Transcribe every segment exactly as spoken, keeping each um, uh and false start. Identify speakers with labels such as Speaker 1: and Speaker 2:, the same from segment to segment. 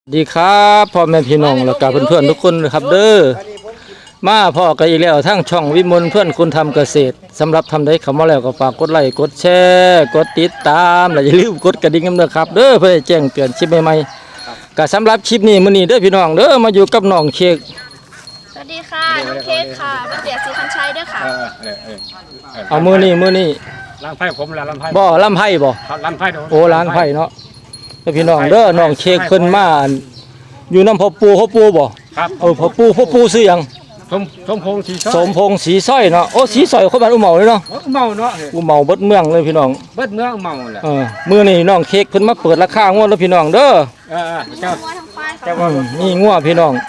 Speaker 1: ดีครับพ่อแม่พี่น้องและกับเพื่อนๆทุกคนนะครับเด้อมาพ่อกันอีกแล้วทั้งช่องวิมลเพื่อนคุณทำเกษตรสำหรับทำได้คำว่าแล้วก็ฝากกดไลค์กดแชร์กดติดตามและอย่าลืมกดกระดิ่งกันด้วยครับเด้อเพื่อแจ้งเตือนคลิปใหม่ๆก็สำหรับคลิปนี้มื้อนี้เด้อพี่น้องเด้อมาอยู่กับน้องเค้ก
Speaker 2: สวัสดีค่ะน้องเค้กค่ะบัณฑิตศรีคันชัยด้วยค่ะ
Speaker 1: เอามื้อนี้มื้อนี้
Speaker 3: ล้างไผ่ผมแล้วล้างไผ่
Speaker 1: บ่ลำไผ่บ่
Speaker 3: ล้างไผ่
Speaker 1: โอ้ล้างไผ่เนาะเด้อพี่น้องเด้อน้องเค้กเพิ่นมาอยู่น้ำพ่อปู่พ่อปู่บ่
Speaker 3: ครับ
Speaker 1: เออพ่อปู่พ่อปู่ซื้อหยัง
Speaker 3: สมสมพงษ์สีส้
Speaker 1: สมพงษ์สีสร้อยเนาะโอ้สีสร้อยคนบ้านอุเมาเลยเนาะ
Speaker 3: เมาเนาะ
Speaker 1: อุเมาเบิดเมืองเลยพี่น้อง
Speaker 3: เบิดเมืองเมาแหละ
Speaker 1: เออมื้อนี้น้องเค้กเพิ่นมาเปิดราคางวดแล้วพี่น้องเด้อ
Speaker 3: เออเจ้า
Speaker 2: เจ้า
Speaker 1: อืมนี่งัวพี่น้อง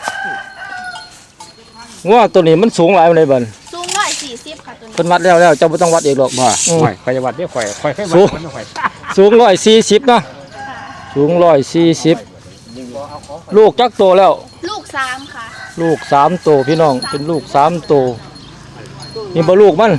Speaker 1: งัวตัวนี้มันสูงหลายปานใดบัด
Speaker 2: สูงร้อยสี่สิบค่ะตัวนี้
Speaker 1: เพิ่นวัดแล้วแล้วเจ้าบ่ต้องวัดอีกหรอก
Speaker 3: บ่ข่อยข่อยวัดเด้อข่อยข่อยเคยวัดมันข่อย
Speaker 1: สูงร้อยสี่สิบเนาะสูงร้อยสี่สิบลูกจักโตแล้ว
Speaker 2: ลูกสามค่ะ
Speaker 1: ลูกสามโตพี่น้องเป็นลูกสามโตนี่บ่ลูกมัน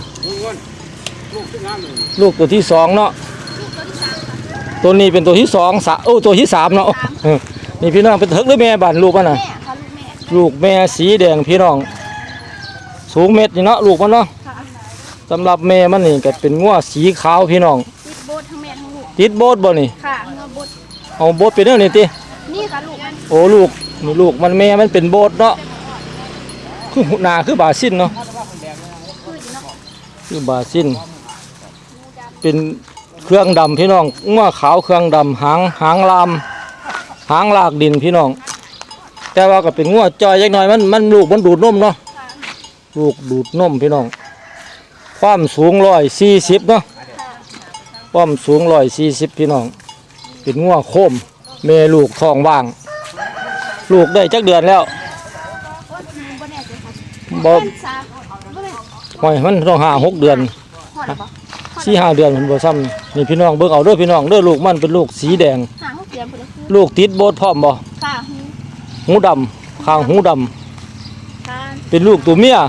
Speaker 1: ลูกตัวที่สองเนาะตัวนี้เป็นตัวที่สองสะโอ้ตัวที่สามเนาะนี่พี่น้องเป็นเถิกหรือแม่บ้านลูกมันน่ะลูกแม่สีแดงพี่น้องสูงเม็ดนี่เนาะลูกมันเนาะสำหรับแม่มันนี่ก็เป็นงัวสีขาวพี่น้อง
Speaker 2: ติดโบสทั้งแม่ทั้งลูก
Speaker 1: ติดโบสบ่นี่
Speaker 2: ค่ะเงาโบส
Speaker 1: เอาโบสเป็นเรื่องนี้ติ
Speaker 2: นี่ค่ะลูกมัน
Speaker 1: โอ้ลูกนี่ลูกมันแม่มันเป็นโบสเนาะคือหนาคือบาซินเนาะคือบาซินเป็นเครื่องดำพี่น้องงัวขาวเครื่องดำหางหางลามหางลากดินพี่น้องแต่ว่าก็เป็นงัวจอยยักหน่อยมันมันลูกมันดูดนมเนาะลูกดูดนมพี่น้องความสูงร้อยสี่สิบเนาะความสูงร้อยสี่สิบพี่น้องเป็นงัวโคมแม่ลูกท้องว่างลูกได้จักเดือนแล้วบ่หอยมันต้องห้าหกเดือนสี่ห้าเดือนมันบ่ซ้ำนี่พี่น้องเบิ่งเอาเด้อพี่น้องเด้อลูกมันเป็นลูกสีแดงลูกติดโบสพร้อมบ่หูดำข้างหูดำเป็นลูกตัวเมีย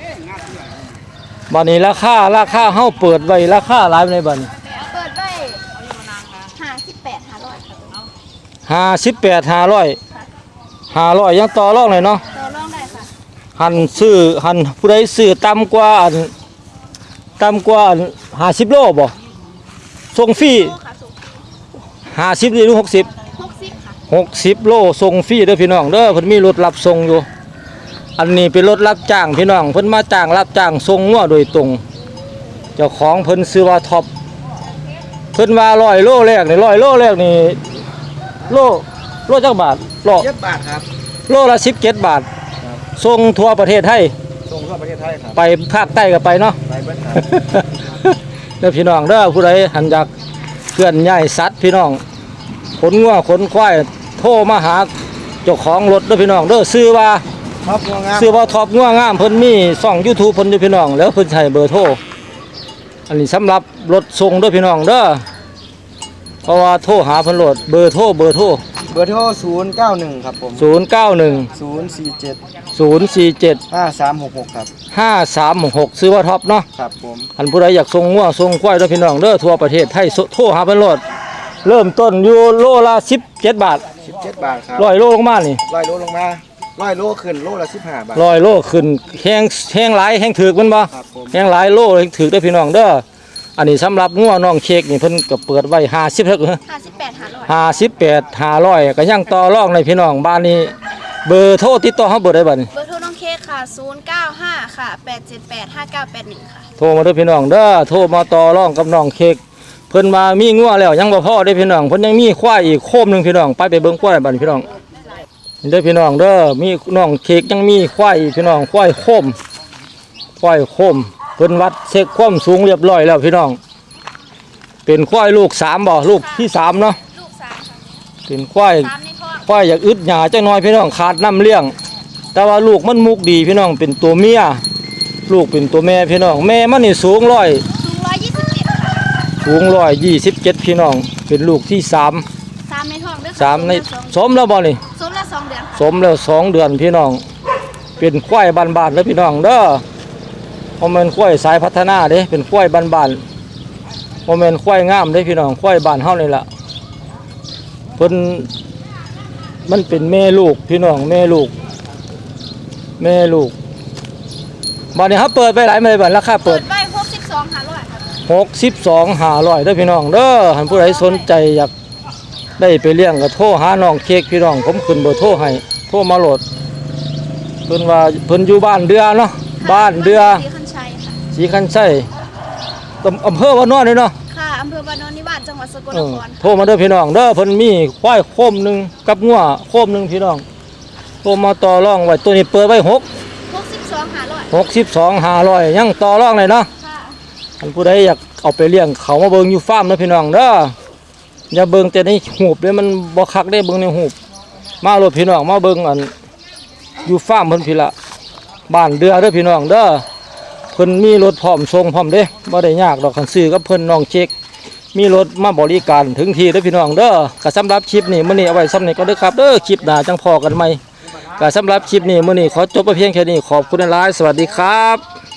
Speaker 1: บัดนี้ราคาราคาเฮาเปิดไว้ราคาหลายในบัดนี้
Speaker 2: เปิดไว้ห้าสิบแปดห้าร้อย
Speaker 1: ห้าสิบแปดห้าร้อยห้าร้อยยังต่อรองเลยเนาะ
Speaker 2: ต่อรองได้ค่ะ
Speaker 1: หันซื้อหันผู้ใดซื้อต่ำกว่าต่ำกว่าห้าสิบโลบ่ส่งฟรีห้าสิบหรือหกสิบ
Speaker 2: หกสิบค่ะ
Speaker 1: หกสิบโลส่งฟรีเด้อพี่น้องเด้อเพิ่นมีรถรับส่งอยู่อันนี้เป็นรถรับจ้างพี่น้องเพิ่นมาจ้างรับจ้างส่งงัวโดยตรงเจ้าของเพิ่นซื้อว่าท็อปเพิ่นว่าร้อยโลแรกนี่ร้อยโลแรกนี่โลโลจักบาทโล
Speaker 3: เจ็ดบาทครับ
Speaker 1: โลละสิบเจ็ดบาทส่งทั่วประเทศไทย
Speaker 3: ส่งทั่วประเทศไทยครับ
Speaker 1: ไปภาคใต้ก็ไปเนาะ
Speaker 3: ไปเบิดครับ
Speaker 1: เด้อพี่น้องเด้อผู้ใดหันอยากเคลื่อนย้ายสัตว์พี่น้องขนงัวขนควายโทรมาหาเจ้าของรถเด้อพี่น้องเด้อซื้อว่า
Speaker 3: ท็อปงัวงาม
Speaker 1: ซื้อว่าท็อปงัวงามเพิ่นมีช่อง YouTube เพิ่นอยู่พี่น้องแล้วเพิ่นใช้เบอร์โทรอันนี้สำหรับรถส่งเด้อพี่น้องเด้อเพราะว่าโทรหาเพิ่นโหลดเบอร์โทรเบอร์โทร
Speaker 3: เบอร์โทรศูนย์เก้าหนึ่งครับผม
Speaker 1: ศูนย์เก้าหนึ่ง
Speaker 3: ศูนย์สี่เจ็ด
Speaker 1: ศูนย์สี่เจ็ด
Speaker 3: ห้าสามหกหกครับ
Speaker 1: ห้าสามหกซื้อว่าท็อปเนาะ
Speaker 3: ครับผม
Speaker 1: อันผู้ใดอยากส่งงัวส่งควายเด้อพี่น้องเด้อทั่วประเทศไทยโทรหาเพิ่นโหลดเริ่มต้นอยู่โลละสิบเจ็ดบาท
Speaker 3: สิบเจ็ดบาทครับ
Speaker 1: ร้อยโลลงมานี่
Speaker 3: ร้อยโลลงมาร้อยโลขึ้นโลละสิบห้าบาท
Speaker 1: ร้อยโลขึ้นแห้งแห้งหลายแห้งถึกมันบ่แห้งหลายโลแห้งถึกเด้อพี่น้องเด้ออันนี้สำหรับงัวน้องเค้กนี่เพิ่นก็เปิดไว้ห้าสิบเท่าเหรอ
Speaker 2: ห้าสิบแปดห้าร้อย
Speaker 1: ห้าสิบแปดห้าร้อยก็ยังต่อรองในพี่น้องบ้านนี้เบอร์โทรติดต่อเฮาเบอร์ได้บัดนี้
Speaker 2: เบอร์โทรน้องเค้กค่ะศูนย์เก้าห้าค่ะแปดเจ็ดแปดห้าเก้าแปดหนึ่งค่ะ
Speaker 1: โทรมาเด้อพี่น้องเด้อโทรมาต่อรองกับน้องเค้กเพิ่นมามีงัวแล้วยังบ่พอเด้อพี่น้องเพิ่นยังมีควายอีกโคมนึงพี่น้องไปไปเบิ่งควายบัดนี้พี่น้องเด้อพี่น้องเด้อมีน้องเค้กยังมีควายพี่น้องควายโคมควายโคมเพิ่นวัดเช็คความสูงเรียบร้อยแล้วพี่น้องเป็นควายลูกสามบ่ลูกที่สามเนาะ
Speaker 2: ลูกสาม
Speaker 1: เป็นควายควายอยากอึดหยาจังน้อยพี่น้องขาดน้ำเลี้ยงแต่ว่าลูกมันมุกดีพี่น้องเป็นตัวเมียลูกเป็นตัวแม่พี่น้องแม่มันนี่สูงร้อย
Speaker 2: สูงร้อยยี่สิบเจ็ดค่ะ
Speaker 1: สูงร้อยยี่สิบเจ็ดพี่น้องเป็นลูกที่สาม
Speaker 2: สามในท้องด้วย
Speaker 1: สามในสมแล้วบ่นี่
Speaker 2: สมแล้วสองเดือน
Speaker 1: สมแล้วสองเดือนพี่น้องเป็นควายบานๆแล้วพี่น้องเด้อเพราะมันควายสายพัฒนาเด้เป็นควายบานๆโมเมนต์ควายงามได้พี่น้องควายบ้านเฮานี่แหละเพิ่นมันเป็นแม่ลูกพี่น้องแม่ลูกแม่ลูกบัดนี้ครับเปิดไปหลายมื้อบัดราคา
Speaker 2: เปิ
Speaker 1: เปิ
Speaker 2: ด
Speaker 1: ด
Speaker 2: ไว้หกสิบสองหาร้อยครับ
Speaker 1: หกสิบสองห้าร้อยเด้อพี่น้องเด้อหันผู้ใดสนใจอยากได้ไปเลี้ยงก็โทรหาน้องเค้กพี่น้องผมขึ้นเบอร์โทรให้โทรมาโหลดเพิ่นว่าเพิ่นอยู่บ้านเดือเนาะบ้านเดือ
Speaker 2: สีคันชัยค่ะ
Speaker 1: สีคันไส้ตำอำเภอวานอนนี่เนาะ
Speaker 2: ค่ะอำเภอบ้านโนนนิวาสจังหวัดสกล
Speaker 1: เอน อ
Speaker 2: คร
Speaker 1: โทรมาเด้อพี่น้องเด้อเพิ่นมีควายโคมหนึงกับงัวโคมหนึงพี่น้องโทรมาต่อรองไว้ตัวนี้เปิดไว้หก
Speaker 2: หกสิบสองหาร้อย
Speaker 1: หกสิบสองห้าร้อยยังต่อรองเลยเนาะ
Speaker 2: ค่ะ
Speaker 1: อันผู้ใดอยากเอาไปเลี้ยงเขามาเบิ่งอยู่ฟาร์มนะพี่น้องเด้ออย่าเบิ่งแต่ในหูบเด้มันบ่คักได้เบิ่งในหูบมาโลดพี่น้องมาเบิ่งอันอยู่ฟาร์มเพิ่นพี่ละบ้านเดือเด้อพี่น้องเด้อเพิ่นมีรถพร้อมส่งพร้อมเด้บ่ได้ยากดอกคันซื้อกับเพิ่นน้องเช็คมีรถมาบริการถึงที่เด้อพี่น้องเด้อก็สำหรับคลิปนี้มื้อนี้เอาไว้ซ้ำนี้ก็เด้อครับเด้อคลิปหน้าจังพอกันใหม่ก็สำหรับคลิปนี้มื้อนี้ขอจบไปเพียงแค่นี้ขอบคุณหลายๆสวัสดีครับ